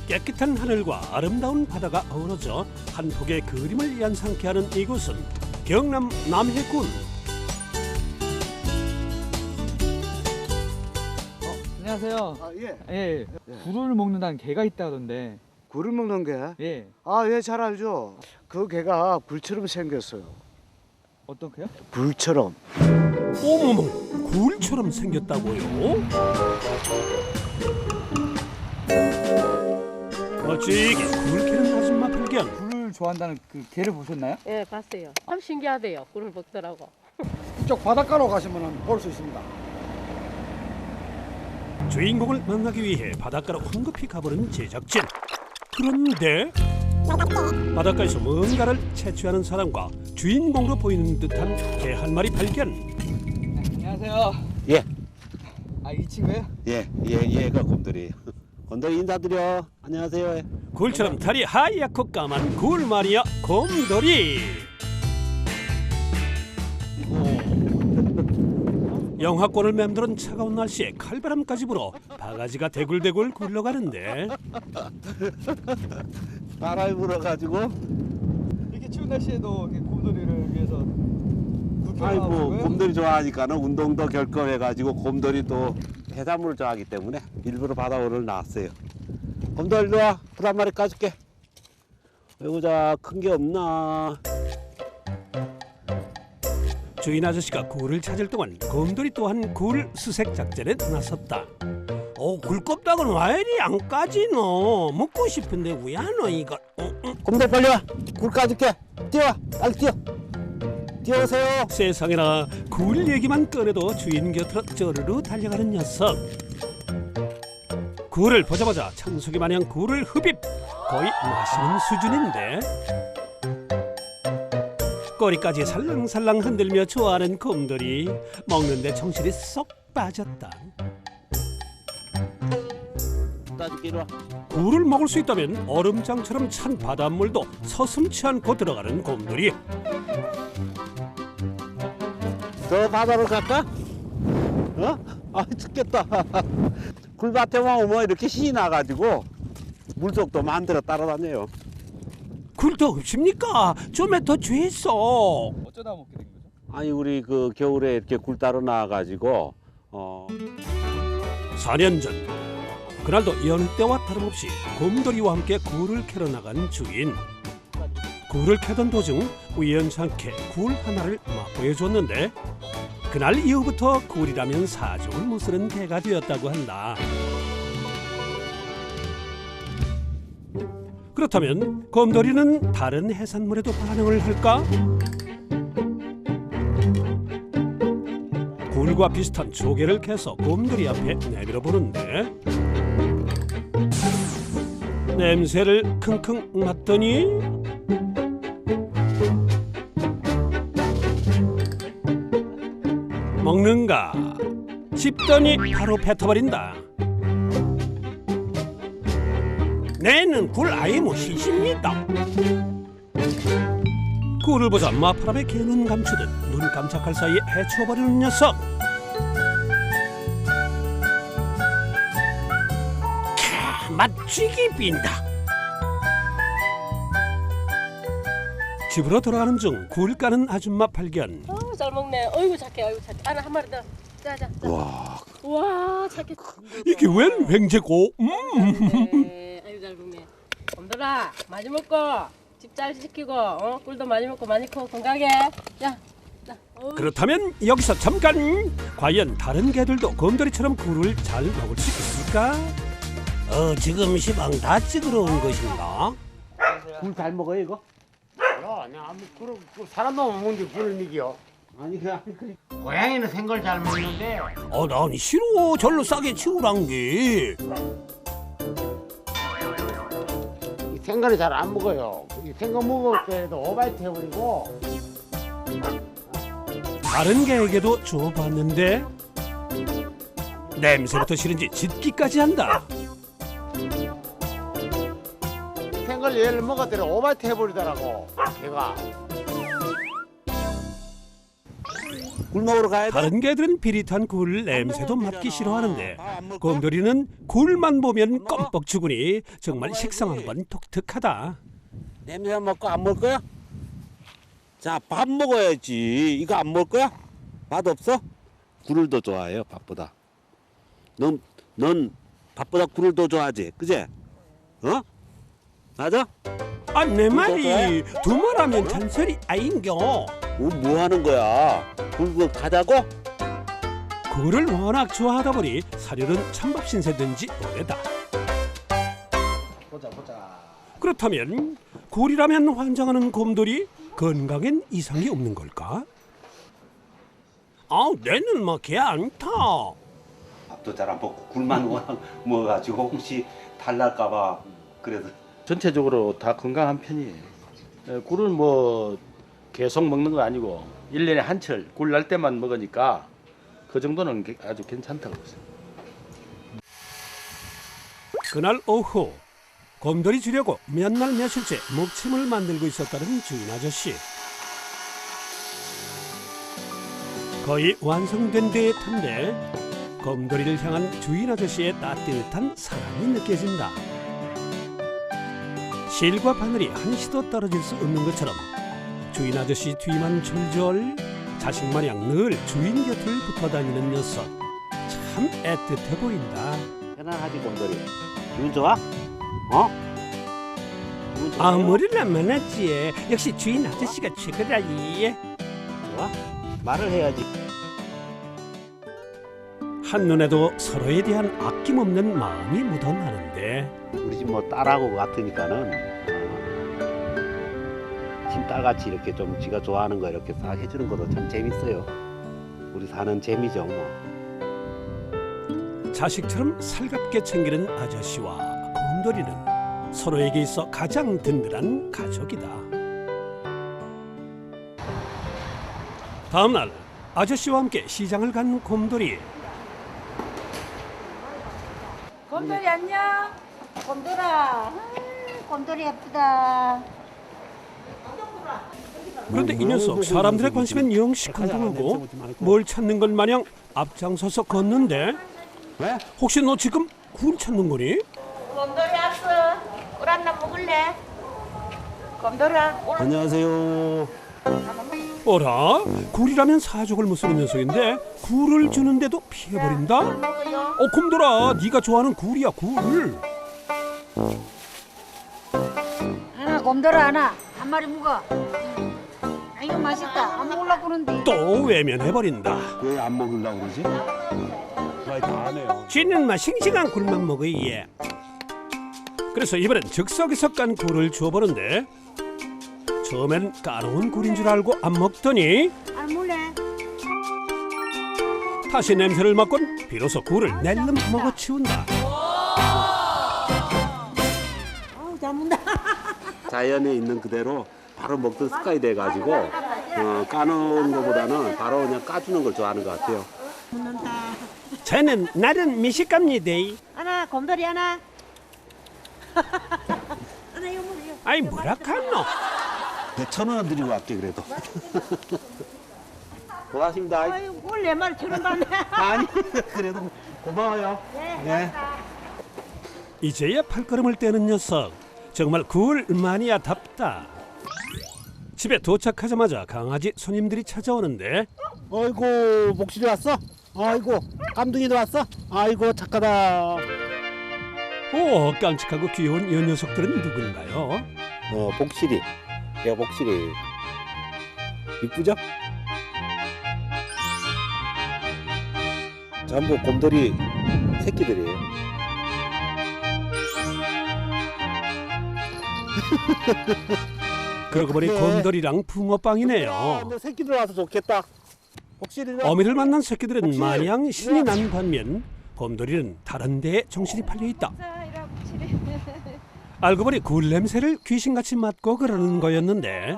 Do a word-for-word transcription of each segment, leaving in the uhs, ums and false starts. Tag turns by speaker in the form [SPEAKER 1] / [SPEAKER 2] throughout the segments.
[SPEAKER 1] 깨끗한 하늘과 아름다운 바다가 어우러져 한 폭의 그림을 연상케 하는 이곳은 경남 남해군.
[SPEAKER 2] 안녕하세요.
[SPEAKER 3] 아, 예.
[SPEAKER 2] 예, 굴을 먹는다는 개가 있다던데.
[SPEAKER 3] 굴을 먹는 게?
[SPEAKER 2] 예.
[SPEAKER 3] 아, 예, 잘 알죠. 그 개가 굴처럼 생겼어요.
[SPEAKER 2] 어떤 개요?
[SPEAKER 3] 굴처럼.
[SPEAKER 1] 어머머, 굴처럼 생겼다고요? 멋지게 굴 캐는 아줌마 발견.
[SPEAKER 2] 굴을 좋아한다는 그 개를 보셨나요?
[SPEAKER 4] 예, 봤어요. 참 신기하대요. 꿀을 먹더라고.
[SPEAKER 5] 이쪽 바닷가로 가시면 볼 수 있습니다.
[SPEAKER 1] 주인공을 만나기 위해 바닷가로 황급히 가버린 제작진. 그런데 바닷가에서 뭔가를 채취하는 사람과 주인공으로 보이는 듯한 개 한 마리 발견.
[SPEAKER 2] 네, 안녕하세요.
[SPEAKER 6] 예,
[SPEAKER 2] 아, 이 친구예요?
[SPEAKER 6] 예, 예, 얘가 곰돌이에요. 곰돌이 인사드려. 안녕하세요.
[SPEAKER 1] 굴처럼 다리 하얗고 까만 굴 말이야, 곰돌이. 영하권을 맴도는 차가운 날씨에 칼바람까지 불어 바가지가 대굴대굴 굴러가는데
[SPEAKER 6] 바람이 불어가지고.
[SPEAKER 2] 이렇게 추운 날씨에도 이렇게 곰돌이를 위해서 굴
[SPEAKER 6] 아이
[SPEAKER 2] 켜놓은
[SPEAKER 6] 뭐
[SPEAKER 2] 거예요?
[SPEAKER 6] 곰돌이 좋아하니까는 운동도 결핍해가지고 곰돌이 또 해산물을 좋아하기 때문에 일부러 바다 오를 나왔어요. 곰돌이 일로 와. 굴 한 마리 까줄게. 아이고 자, 큰 게 없나.
[SPEAKER 1] 주인 아저씨가 굴을 찾을 동안 곰돌이 또한 굴 수색 작전에 나섰다. 어, 굴껍데기는 왜 이리 안 까지노? 먹고 싶은데 왜 안 와 이걸? 어, 어.
[SPEAKER 6] 곰돌이 빨리 와. 굴 까줄게. 뛰어와. 빨리 뛰어. 뛰어오세요.
[SPEAKER 1] 세상에나 굴 얘기만 꺼내도 주인 곁으로 쪼르르 달려가는 녀석. 굴을 보자마자 청소기 마냥 굴을 흡입. 거의 마시는 수준인데 꼬리까지 살랑살랑 흔들며 좋아하는 곰돌이. 먹는데 정신이 쏙 빠졌다.
[SPEAKER 6] 따줄게. 이리 와.
[SPEAKER 1] 굴을 먹을 수 있다면 얼음장처럼 찬 바닷물도 서슴치 않고 들어가는 곰돌이.
[SPEAKER 6] 저 바다로 갈까? 어? 아 죽겠다. 굴밭에만 오면 이렇게 신이 나가지고 물속도 만들어 따라다녀요.
[SPEAKER 1] 굴도 없습니까? 좀에 더 죄서.
[SPEAKER 2] 어쩌다 먹게 된 거죠?
[SPEAKER 6] 아니 우리 그 겨울에 이렇게 굴 따러 나와가지고 어
[SPEAKER 1] 사 년 전 그날도 여느 때와 다름없이 곰돌이와 함께 굴을 캐러 나간 주인. 굴을 캐던 도중 우연찮게 굴 하나를 맛보여줬는데 그날 이후부터 굴이라면 사족을 못 쓰는 개가 되었다고 한다. 그렇다면 곰돌이는 다른 해산물에도 반응을 할까? 굴과 비슷한 조개를 캐서 곰돌이 앞에 내밀어 보는데 냄새를 킁킁 맡더니 먹는가 싶더니 바로 뱉어버린다. 내는 굴 아예 못 시십니다. 굴을 보자 마파람에 개눈 감추듯 눈 깜짝할 사이에 해치워버리는 녀석. 캬, 맛쥐기 빈다. 집으로 돌아가는 중 굴 까는 아줌마 발견.
[SPEAKER 4] 어, 잘 먹네. 어이구 착해. 어이구 착해. 하나 한 마리 더. 자자. 자.
[SPEAKER 6] 와.
[SPEAKER 4] 와, 착해.
[SPEAKER 1] 이게 웬 횡재고? 음.
[SPEAKER 4] 네, 아이고 잘 먹네. 곰돌아, 많이 먹고 집 잘 지키고, 어, 꿀도 많이 먹고 많이 커 건강해. 자, 자. 어이.
[SPEAKER 1] 그렇다면 여기서 잠깐. 과연 다른 개들도 곰돌이처럼 굴을 잘 먹을 수 있을까? 어, 지금 시방 다 찍으러 온 것인가?
[SPEAKER 6] 굴 잘 먹어요 이거?
[SPEAKER 7] 야, 내가 아무 그런 그 사람 놈 먹는데 굴을 먹여.
[SPEAKER 6] 아니 그냥 그
[SPEAKER 7] 고양이는 생걸 잘 먹는데.
[SPEAKER 1] 어, 난 싫어. 절로 싸게 치우란 게.
[SPEAKER 7] 이 생걸이 잘 안 먹어요. 이 생거 먹을 때도 오바이트 해버리고.
[SPEAKER 1] 다른 개에게도 줘봤는데 냄새부터 싫은지 짖기까지 한다.
[SPEAKER 7] 생걸 얘를 먹었더니 오바이트 해버리더라고. 걔가.
[SPEAKER 6] 굴 먹으러 가야 돼.
[SPEAKER 1] 다른 개들은 비릿한 굴 냄새도 맡기 싫어하는데 곰돌이는 굴만 보면 껌뻑 죽으니 정말 식성한 건 독특하다.
[SPEAKER 6] 냄새 맡고 안 먹을 거야? 자, 밥 먹어야지. 이거 안 먹을 거야? 맛 없어? 굴을 더 좋아해요, 밥보다. 넌, 넌 밥보다 굴을 더 좋아하지, 그제? 어? 맞아?
[SPEAKER 1] 아, 내 말이 두 말하면 잔소리 아인겨.
[SPEAKER 6] 어, 뭐 하는 거야? 굴 그거 가자고?
[SPEAKER 1] 굴을 워낙 좋아하다 보니 사료는 찬밥 신세든지 오래다.
[SPEAKER 5] 보자 보자.
[SPEAKER 1] 그렇다면 굴이라면 환장하는 곰돌이 건강엔 이상이 없는 걸까? 아, 내는 뭐 개 않다.
[SPEAKER 6] 밥도 잘 안 먹고 굴만 워낙 먹어가지고 혹시 탈날까봐 그래서.
[SPEAKER 8] 전체적으로 다 건강한 편이에요. 에, 굴은 뭐 계속 먹는 거 아니고 일 년에 한철 굴 날 때만 먹으니까 그 정도는 게- 아주 괜찮다고 보세요.
[SPEAKER 1] 그날 오후 곰돌이 주려고 몇 날 며칠째 목침을 만들고 있었다는 주인 아저씨. 거의 완성된 듯한데 곰돌이를 향한 주인 아저씨의 따뜻한 사랑이 느껴진다. 실과 바늘이 한시도 떨어질 수 없는 것처럼 주인 아저씨 뒤만 졸졸 자식 마냥 늘 주인 곁을 붙어 다니는 녀석. 참 애틋해 보인다.
[SPEAKER 6] 편안하지 곰돌이. 기분 좋아? 어? 기분 좋아요?
[SPEAKER 1] 아무리나 많았지. 역시 주인 아저씨가 최고라이.
[SPEAKER 6] 좋아? 말을 해야지.
[SPEAKER 1] 한눈에도 서로에 대한 아낌없는 마음이 묻어나는데
[SPEAKER 6] 우리 집 뭐 딸하고 같으니까는 어, 친딸같이 이렇게 좀 지가 좋아하는 거 이렇게 싹 해주는 것도 참 재밌어요. 우리 사는 재미죠 뭐.
[SPEAKER 1] 자식처럼 살갑게 챙기는 아저씨와 곰돌이는 서로에게 있어 가장 든든한 가족이다. 다음 날 아저씨와 함께 시장을 간 곰돌이.
[SPEAKER 9] 곰돌이 안녕. 곰돌아. 곰돌이 예쁘다.
[SPEAKER 1] 그런데 이 녀석 사람들의 관심엔 영시 궁금하고 뭘 찾는 것 마냥 앞장서서 걷는데
[SPEAKER 6] 왜?
[SPEAKER 1] 혹시 너 지금 굴 찾는 거니?
[SPEAKER 9] 곰돌이 왔어. 꿀 하나 먹을래? 곰돌아. 꿀
[SPEAKER 6] 안녕하세요.
[SPEAKER 1] 어라? 굴이라면 사족을 무쓰는 녀석인데 굴을 주는데도 피해버린다?
[SPEAKER 9] 먹어요.
[SPEAKER 1] 어, 곰돌아, 네가 좋아하는 굴이야, 굴.
[SPEAKER 9] 하나 곰돌아 하나. 한 마리 먹어. 아, 이거 맛있다. 안 먹으려고 그러는데.
[SPEAKER 1] 또 외면해버린다.
[SPEAKER 6] 왜 안 먹으려고 그러지? 거의 다 하네요.
[SPEAKER 1] 쥐는 막 싱싱한 굴만 먹어, 얘. 그래서 이번엔 즉석에서 깐 굴을 주워보는데 처음엔 까놓은 굴인 줄 알고 안 먹더니
[SPEAKER 9] 안 먹을래?
[SPEAKER 1] 다시 냄새를 맡곤 비로소 굴을 낼름 먹어치운다.
[SPEAKER 9] 어우 잘 먹는다.
[SPEAKER 6] 자연에 있는 그대로 바로 먹던 습관이 돼가지고 어, 까놓은 것보다는 바로 그냥 까주는 걸 좋아하는 것 같아요.
[SPEAKER 9] 먹는다.
[SPEAKER 1] 저는 나름 미식갑니다.
[SPEAKER 9] 하나 곰돌이 하나. 하나 이거 먹어요.
[SPEAKER 1] 아이 뭐라 카노?
[SPEAKER 6] 백천 원 드리고 갈게 그래도. 고맙습니다.
[SPEAKER 9] 아유 꿀네 마리 천원 받네.
[SPEAKER 6] 아니 그래도 고마워요. 네.
[SPEAKER 1] 이제야 팔걸음을 떼는 녀석. 정말 굴 마니아답다. 집에 도착하자마자 강아지 손님들이 찾아오는데
[SPEAKER 6] 아이고 목실이 왔어? 아이고 깜둥이도 왔어? 아이고 착하다.
[SPEAKER 1] 오, 깜찍하고 귀여운 이 녀석들은 누군가요?
[SPEAKER 6] 어 복실이. 얘가 복실이. 이쁘죠? 전부 곰돌이 새끼들이에요.
[SPEAKER 1] 그러고 보니
[SPEAKER 6] 그래.
[SPEAKER 1] 곰돌이랑 붕어빵이네요.
[SPEAKER 6] 너 새끼들 와서 좋겠다. 복실이.
[SPEAKER 1] 어미를 만난 새끼들은 마냥 신이 난 반면 곰돌이는 다른 데에 정신이 팔려 있다. 알고 보니 굴 냄새를 귀신같이 맡고 그러는 거였는데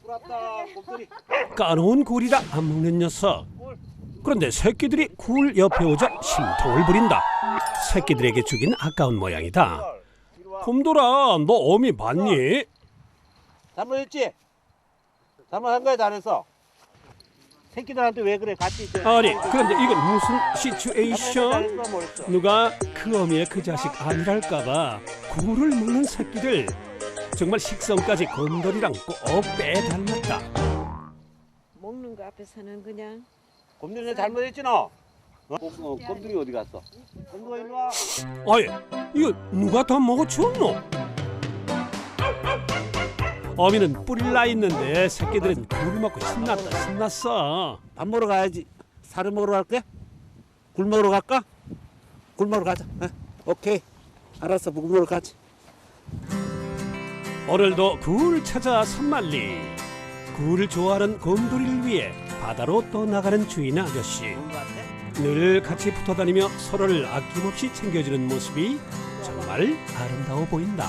[SPEAKER 1] 까놓은 굴이라 안 먹는 녀석. 그런데 새끼들이 굴 옆에 오자 심통을 부린다. 새끼들에게 주긴 아까운 모양이다. 곰돌아, 너 어미 봤니?
[SPEAKER 6] 잘못했지? 잘못한 거야 잘했어. 새끼들한테 왜 그래? 같이 이제.
[SPEAKER 1] 아니 그런데 이건 무슨 시츄에이션? 누가 그 어미의 그 자식 아니랄까봐 굴을 먹는 새끼들 정말 식성까지 곰돌이랑 꼭 빼닮았다.
[SPEAKER 10] 먹는 거 앞에서는 그냥
[SPEAKER 6] 곰돌이 잘못했지 너? 어? 어, 곰돌이 어디 갔어? 곰돌이 일로 와.
[SPEAKER 1] 아이 이거 누가 다 먹어치웠노? 어미는 뿔이 나 있는데 새끼들은 굴 먹고 신났다 신났어.
[SPEAKER 6] 밥 먹으러 가야지. 사료 먹으러 갈게? 굴 먹으러 갈까? 굴 먹으러 가자. 어? 오케이. 알았어. 굴 먹으러 가지.
[SPEAKER 1] 오늘도 굴 찾아 산만리. 굴을 좋아하는 곰돌이를 위해 바다로 떠나가는 주인 아저씨. 늘 같이 붙어다니며 서로를 아낌없이 챙겨주는 모습이 정말 아름다워 보인다.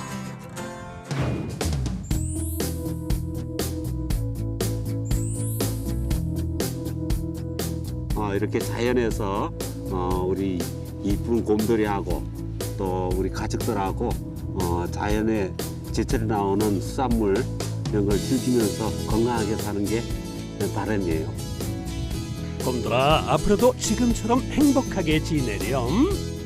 [SPEAKER 6] 어, 이렇게 자연에서 어, 우리 이쁜 곰돌이하고 또 우리 가족들하고 어, 자연의 제철에 나오는 수산물 이런 걸 즐기면서 건강하게 사는 게 바람이에요.
[SPEAKER 1] 곰돌아 앞으로도 지금처럼 행복하게 지내렴.